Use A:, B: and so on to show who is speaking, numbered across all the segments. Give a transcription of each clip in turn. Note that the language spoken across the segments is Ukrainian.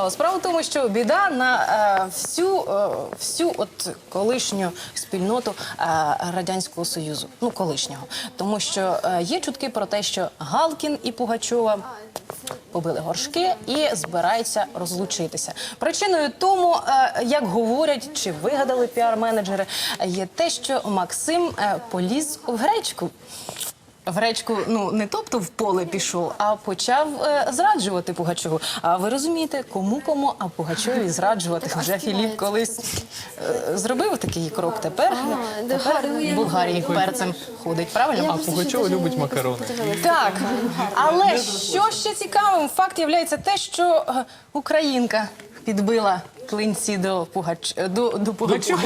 A: Справа в тому, що біда на всю от колишню спільноту Радянського Союзу. Ну, колишнього. Тому що є чутки про те, що Галкін і Пугачова побили горшки і збираються розлучитися. Причиною тому, як говорять чи вигадали піар-менеджери, є те, що Максим поліз в гречку. В гречку, ну, не тобто в поле пішов, а почав зраджувати Пугачову. А ви розумієте, кому, а Пугачові зраджувати. Вже Філіп колись зробив такий крок. Тепер в Болгарії перцем ходить, правильно?
B: А Пугачова любить макарони.
A: Так, але що ще цікавим, факт є те, що українка підбила клинці до Пугачова.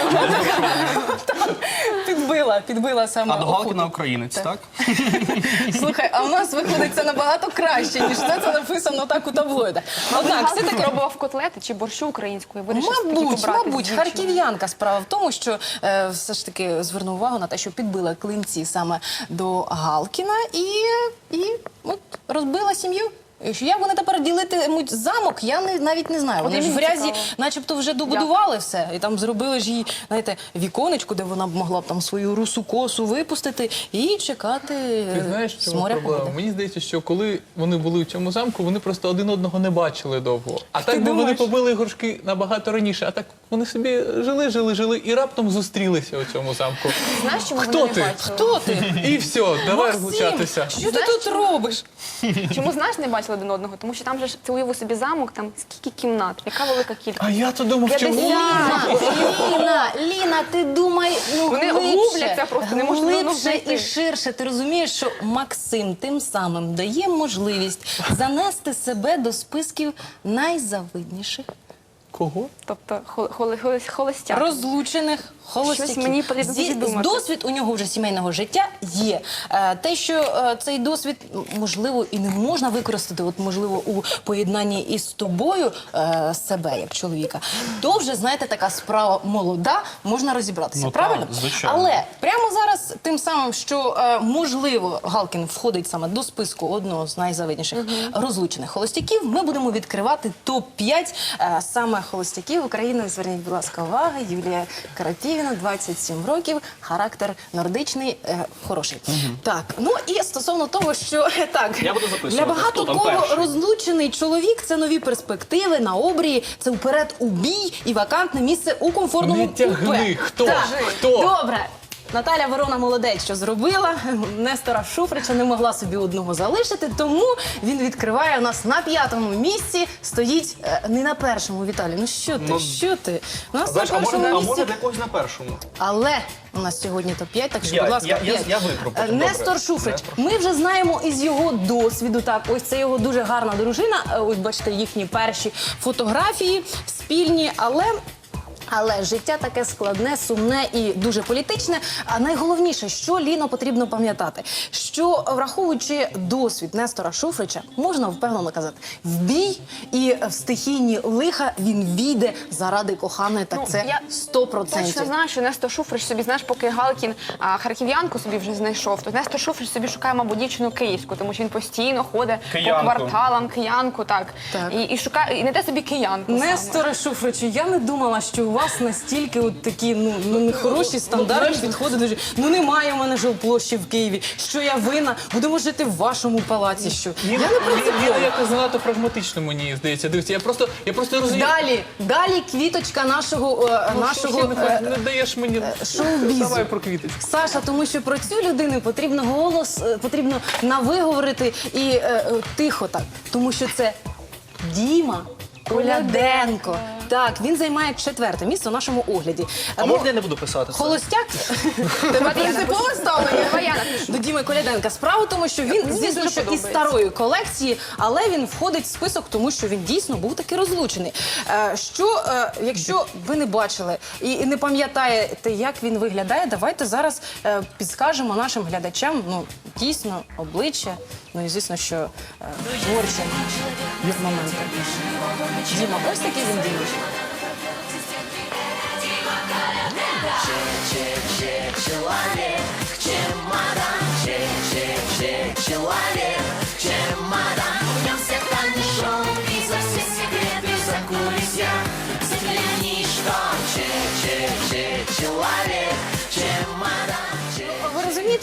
A: Підбила саме.
C: А до Галкіна українець, так?
A: Слухай, а в нас виходить це набагато краще, ніж це написано так у таблоїдах. Однак, все таки...
D: Пробував котлети чи борщу української?
A: Мабуть, харків'янка. Справа в тому, що все ж таки звернув увагу на те, що підбила клинці саме до Галкіна і от розбила сім'ю. Як вони тепер ділитимуть замок, я навіть не знаю. Вони ж в грязі начебто вже добудували все. І там зробили ж їй, знаєте, віконечко, де вона б могла б там свою русу косу випустити і чекати
B: Ти знаєш, в
A: з
B: чому
A: моря
B: проблема?
A: погоди.
B: Мені здається, що коли вони були в цьому замку, вони просто один одного не бачили довго. А так би вони
A: думаєш?
B: побили горшки набагато раніше. А так вони собі жили і раптом зустрілися у цьому замку.
D: Знаєш, чому
B: Хто
D: вони
B: ти?
D: не бачили?
A: Хто ти?
B: І все, давай
A: Максим,
B: розлучатися.
A: що ти тут робиш?
D: Чому, знаєш, не бачили один одного? Тому що там же ж, ти уяви собі замок, там скільки кімнат, яка велика кількість.
B: А я то думав, що...
D: 50.
A: Ліна, ти думай, ну,
D: Вони губляться просто, не можуть одного
A: глибше
D: знайти.
A: і ширше. Ти розумієш, що Максим тим самим дає можливість занести себе до списків найзавидніших,
B: Кого?
D: Тобто холостяк.
A: розлучених холостяків.
D: Щось мені потрібно думати.
A: Досвід у нього вже сімейного життя є. Те, що цей досвід, можливо, і не можна використати, от, можливо, у поєднанні із тобою себе, як чоловіка, то вже, знаєте, така справа молода, можна розібратися,
C: Ну,
A: правильно?
C: так, звичайно.
A: Але прямо зараз тим самим, що, можливо, Галкін входить саме до списку одного з найзавидніших розлучених холостяків, ми будемо відкривати топ-5 саме холостяків України. Зверніть, будь ласка, увагу. Юлія Карапівіна, 27 років, характер нордичний, хороший. Так, ну і стосовно того, що так,
C: Я буду записувати,
A: для багато
C: хто там
A: кого
C: перший.
A: розлучений чоловік – це нові перспективи на обрії, це вперед у бій і вакантне місце у комфортному
B: Не тягни.
A: купе.
B: Хто?
A: Так.
B: Хто?
A: Добре. Наталя Ворона молодець, що зробила. Нестора Шуфрича не могла собі одного залишити, тому він відкриває у нас на 5-му місці. Стоїть не на першому, Віталій. Ну що ти, що ти? У нас
C: Знаєш,
A: на
C: а
A: першому
C: може
A: місці.
C: для когось на першому?
A: Але у нас сьогодні топ-5, так що,
C: Я-
A: будь ласка,
C: я-
A: 5.
C: я виберу потім,
A: Нестор
C: добре.
A: Шуфрич.
C: Нестор.
A: Ми вже знаємо із його досвіду, так, ось це його дуже гарна дружина, ось бачите, їхні перші фотографії спільні, але життя таке складне, сумне і дуже політичне. А найголовніше, що, Ліно, потрібно пам'ятати, що, враховуючи досвід Нестора Шуфрича, можна впевнено казати, в бій і в стихійні лиха він війде заради коханої, так це
D: я
A: 100%.
D: Точно знаю, що Нестор Шуфрич собі, знаєш, поки Галкін харків'янку соби вже знайшов, то Нестор Шуфрич собі шукає, мабуть, дівчину київську, тому що він постійно ходить
C: Киянку.
D: по кварталам, киянку, так.
A: Так.
D: І шукає, і не те собі киянку саме.
A: Несторе Шуфричу, я не думала, що у вас настільки от такі нехороші стандартні підходи до життя. Ну немає в мене жилплощі в Києві. Що я винна? Будемо жити в вашому палаці. Що? Я не принципова.
B: Ліна якось занадто прагматично, мені здається. Дивіться, я просто розумію.
A: Далі квіточка нашого
B: Не даєш мені...
A: шоу-бізу.
B: Давай про квіточку.
A: Саша, тому що про цю людину потрібно навиговорити і тихо так, тому що це Діма Коляденко. Так, він займає 4-те місце у нашому огляді.
C: А можна я не буду писати це?
A: Холостяк? Тебе принципове ставлення
D: Давай я напишу.
A: до Діми Коляденка. Справа в тому, що він, звісно,
D: дуже
A: що із
D: подобається.
A: старої колекції, але він входить в список, тому що він дійсно був таки розлучений. Якщо ви не бачили і не пам'ятаєте, як він виглядає, давайте зараз підскажемо нашим глядачам, ну, дійсно, обличчя, ну і, звісно, що творчі моменти. Діма, ось такий він Діма.
E: Человек, чемодан, чемодан, чемодан. В нем все тайны шоу и за все секреты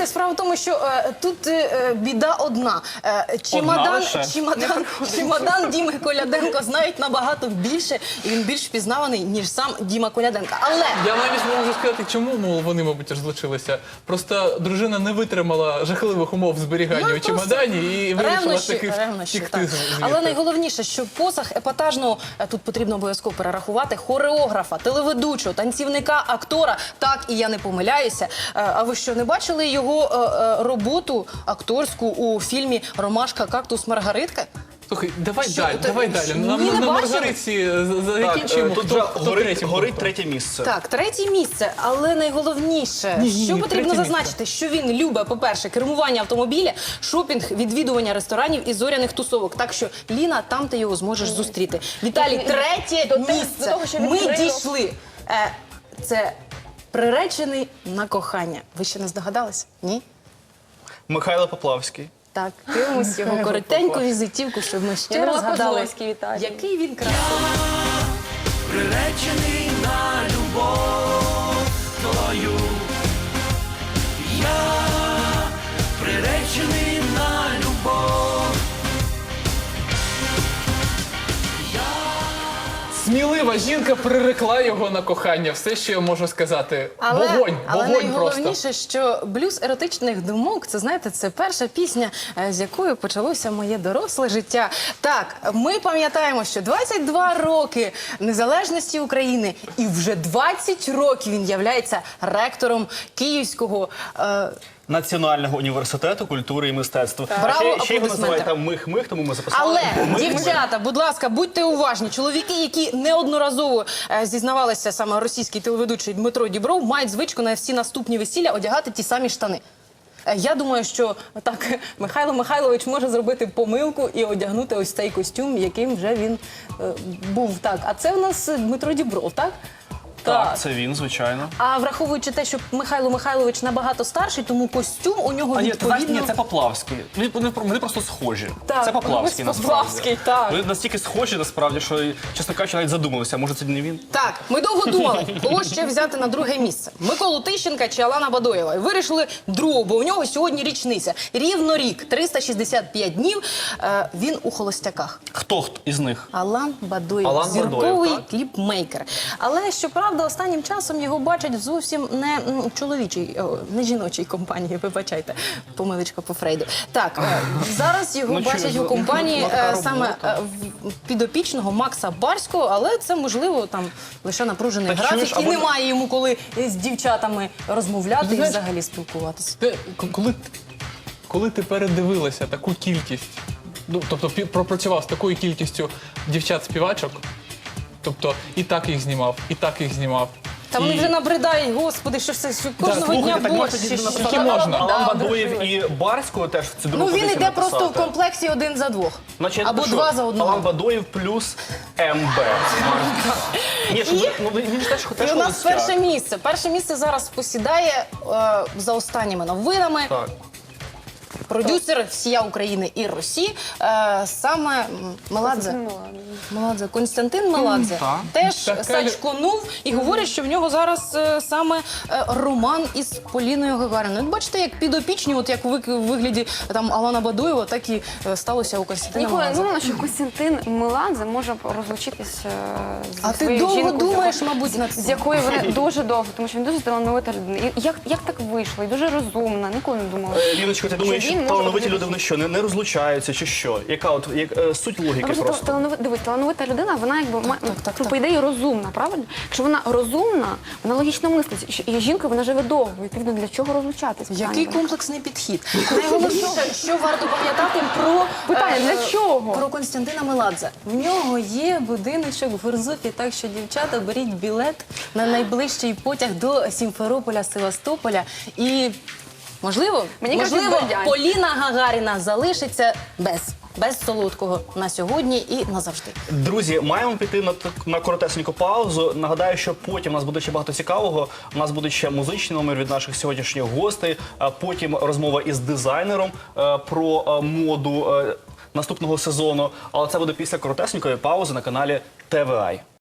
A: знаєте, справа в тому, що тут біда одна.
C: лише?
A: Чемодан Діми Коляденко знають набагато більше, і він більш впізнаваний, ніж сам Діма Коляденко. Але
B: Я навіть можу сказати, чому, мол, вони, мабуть, розлучилися. Просто дружина не витримала жахливих умов зберігання у чемодані і вирішила таки
A: ревнощі,
B: втікти
A: так.
B: звідти.
A: Але найголовніше, що посаг епатажного, тут потрібно обов'язково перерахувати, хореографа, телеведучого, танцівника, актора. Так, і я не помиляюся. А ви що, не бачили його роботу акторську у фільмі «Ромашка, кактус, Маргаритка»?
B: Слухай, давай
A: Що,
B: далі,
A: ти-
B: давай далі.
A: що,
B: Нам
A: ні, не
B: на
A: бачили?
B: Маргариці
C: Так,
B: закінчуємо.
C: тут вже
B: Хто
C: горить третє місце.
A: Так, третє місце, але найголовніше,
B: Ні,
A: що потрібно
B: третє
A: зазначити, що він любить, по-перше, кермування автомобіля, шопінг, відвідування ресторанів і зоряних тусовок. Так що, Ліна, там ти його зможеш зустріти. Віталій, третє
D: до
A: місце.
D: того, що
A: Ми
D: відкрило.
A: дійшли. Це приречений на кохання. Ви ще не здогадались? Ні?
C: Михайло Поплавський.
A: Так, дивимось його коротеньку візитівку, щоб ми ще
D: Я
A: раз
D: думала,
A: згадали,
D: Козловський, Віталій.
A: який він красивий.
E: Приречений на любов твою. Я приречений на любов.
B: Смілива жінка прирекла його на кохання. Все, що я можу сказати. Вогонь
A: але
B: просто.
A: найголовніше, що блюз еротичних думок, це, знаєте, це перша пісня, з якою почалося моє доросле життя. Так, ми пам'ятаємо, що 22 роки незалежності України і вже 20 років він являється ректором Київського
C: Національного університету культури і мистецтва.
A: Браво,
C: Ще його
A: аплодисменти.
C: називають там Мих-Мих, тому ми записали.
A: Але,
C: Мих-Мих.
A: дівчата, будь ласка, будьте уважні. Чоловіки, які неодноразово зізнавалися, саме російський телеведучий Дмитро Дібров, мають звичку на всі наступні весілля одягати ті самі штани. Я думаю, що так Михайло Михайлович може зробити помилку і одягнути ось цей костюм, яким вже він був. Так, а це у нас Дмитро Дібров, так?
C: Так, це він, звичайно.
A: А враховуючи те, що Михайло Михайлович набагато старший, тому костюм у нього
C: А ні, ти знаєш,
A: відповідно...
C: ні, це Поплавський. Вони просто схожі.
A: Так,
C: це Поплавський,
A: ось
C: насправді.
A: Поплавський, так.
C: Вони настільки схожі, насправді, що, чесно кажучи, навіть задумалися, може це не він?
A: Так, ми довго думали, кого ще взяти на друге місце. Миколу Тищенка чи Алана Бадоєва. І вирішили другого, бо у нього сьогодні річниця. Рівно рік, 365 днів, він у холостяках.
C: Хто із них?
A: Алан Бадоєв,
C: Алан
A: зірковий
C: Бадоєв, так?
A: кліпмейкер. Але, щоправда, останнім часом його бачать зовсім не чоловічій, не жіночій компанії, вибачайте, помилочка по Фрейду. Так, зараз його
C: Ну,
A: бачать у компанії саме підопічного Макса Барського, але це, можливо, там лише напружений
C: Так,
A: графік,
C: чуєш,
A: і
C: або-
A: немає йому коли з дівчатами розмовляти і
B: Знаєш,
A: взагалі спілкуватися.
B: Коли ти передивилася таку кількість, ну, тобто пропрацював з такою кількістю дівчат-співачок, тобто і так їх знімав, і так їх знімав.
A: Та вони вже набридають, господи, що все, що кожного
C: слухайте,
A: дня
C: так
A: борщ.
C: можна
A: чи що?
B: Скільки можна?
C: Алан Бадоєв і Барського теж в цю другу
A: Ну він
C: позицію
A: йде просто в
C: написати.
A: комплексі один за двох.
C: Значить,
A: Або
C: ну що,
A: два за одного.
C: Алан Бадоєв плюс МБ. Ні, що, ну, він ж теж
A: І у нас
C: холостяк.
A: перше місце. Перше місце зараз посідає за останніми новинами.
C: Так.
A: Продюсер всія України і Росії, саме Меладзе. Константин Меладзе
C: Так.
A: теж
B: Така
A: сачконув і говорять, що в нього зараз саме роман із Поліною Гагаріною. От бачите, як підопічні, от як в вигляді там Алана Бадоєва, так і сталося у Костянтина
D: Ніколи не
A: Меладзе.
D: думала, що Костянтин Меладзе може розлучитися зі
A: А ти
D: своєю
A: довго
D: жінкою,
A: думаєш,
D: з якою-
A: мабуть, над цим?
D: з якою вони дуже довго, тому що він дуже талановита людина. І як так вийшло? І дуже розумна, ніколи не думала.
C: Ліночко, ти думаєш,
D: Що
C: що
D: він може
C: талановиті
D: робити?
C: люди вони що, не розлучаються чи що? Яка от суть логіки
D: Ну,
C: просто?
D: Дивись, талановита людина, вона якби
A: так.
D: по ідеї розумна, правильно? Якщо вона розумна, вона логічно мислить. І жінкою вона живе довго. Відповідно, для чого розлучатися?
A: Який комплексний підхід? Найголовніше, що варто пам'ятати про
D: Питання, для чого?
A: Про Константина Меладзе. В нього є будиночок в Гурзуфі, так що, дівчата, беріть білет на найближчий потяг до Сімферополя, Севастополя і, можливо,
D: Мені кажуть, Бердянськ.
A: Поліна Гагаріна залишиться без солодкого на сьогодні і назавжди.
C: Друзі, маємо піти на коротесеньку паузу. Нагадаю, що потім у нас буде ще багато цікавого. У нас буде ще музичний номер від наших сьогоднішніх гостей, а потім розмова із дизайнером про моду наступного сезону. Але це буде після коротесенької паузи на каналі ТВА.